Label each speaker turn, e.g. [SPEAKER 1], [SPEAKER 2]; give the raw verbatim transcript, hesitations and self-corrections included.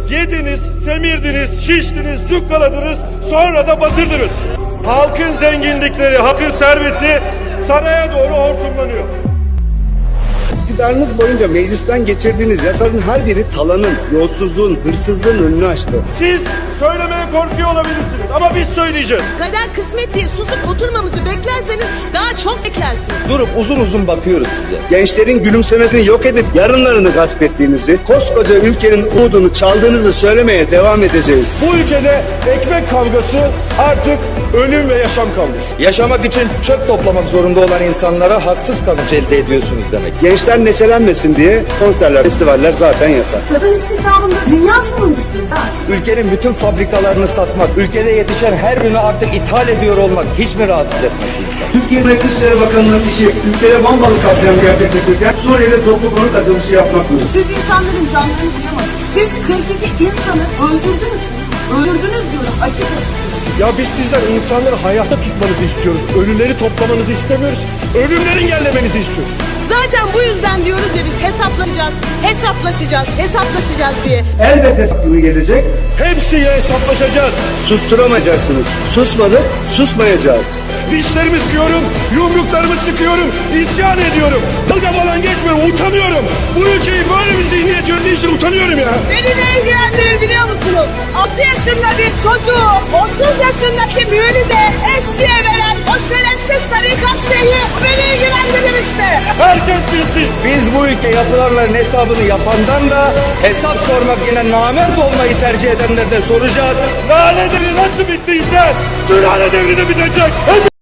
[SPEAKER 1] Yediniz, semirdiniz, şiştiniz, cukkaladınız, sonra da batırdınız. Halkın zenginlikleri, halkın serveti saraya doğru hortumlanıyor.
[SPEAKER 2] İktidarınız boyunca meclisten geçirdiğiniz yasaların her biri talanın, yolsuzluğun, hırsızlığın önünü açtı.
[SPEAKER 1] Siz söylemeye korkuyor olabilirsiniz ama biz söyleyeceğiz.
[SPEAKER 3] Kader kısmet diye susup oturmamızı beklerseniz daha çok beklersiniz.
[SPEAKER 4] Durup uzun uzun bakıyoruz size.
[SPEAKER 2] Gençlerin gülümsemesini yok edip yarınlarını gasp ettiğinizi, koskoca ülkenin umudunu çaldığınızı söylemeye devam edeceğiz.
[SPEAKER 1] Bu ülkede ekmek kavgası artık ölüm ve yaşam kavgası.
[SPEAKER 4] Yaşamak için çöp toplamak zorunda olan insanlara haksız kazanç elde ediyorsunuz demek.
[SPEAKER 2] Gençler neşelenmesin diye konserler, festivaller zaten yasak.
[SPEAKER 5] Kadın istihdamında dünya sonuncusuyuz ha.
[SPEAKER 4] Ülkenin bütün fabrikalarını satmak, ülkede yetişen her ürünü artık ithal ediyor olmak hiç mi rahatsız etmez bir insan?
[SPEAKER 2] Türkiye'de Dışişleri Bakanı'nın işi ülkede bombalı katliam gerçekleşirken Suriye'de toplu konut açılışı yapmak mı?
[SPEAKER 5] Siz insanların canlarını duyamazsınız. Siz kırk iki insanı öldürdünüz. Öldürdünüz diyorum açık açık.
[SPEAKER 1] Ya biz sizden insanları hayatta tutmanızı istiyoruz. Ölüleri toplamanızı istemiyoruz. Ölümleri engellemenizi istiyoruz.
[SPEAKER 3] Zaten bu yüzden diyoruz ya biz hesaplanacağız, hesaplaşacağız, hesaplaşacağız diye.
[SPEAKER 2] Elbet hesap günü gelecek.
[SPEAKER 1] Hepsiyle hesaplaşacağız.
[SPEAKER 2] Susturamayacaksınız. Susmadık, susmayacağız.
[SPEAKER 1] Dişlerimi sıkıyorum, yumruklarımı sıkıyorum, isyan ediyorum. Dalga falan geçmiyorum, utanıyorum. Bu ülkeyi böyle bir zihniyet yönettiği için utanıyorum ya.
[SPEAKER 3] Beni ne ilgilendirir biliyor musunuz? altı yaşında bir çocuğu otuz yaşındaki müğünüze eş diye veren o şerefsiz tarikat şeyi beni ilgilendirir işte.
[SPEAKER 1] Herkes bilsin.
[SPEAKER 4] Biz bu ülke yapılanların hesabını yapandan da hesap sormak yine namert olmayı tercih edenlerden soracağız.
[SPEAKER 1] Lale devri nasıl bittiyse sülale devri de bitecek.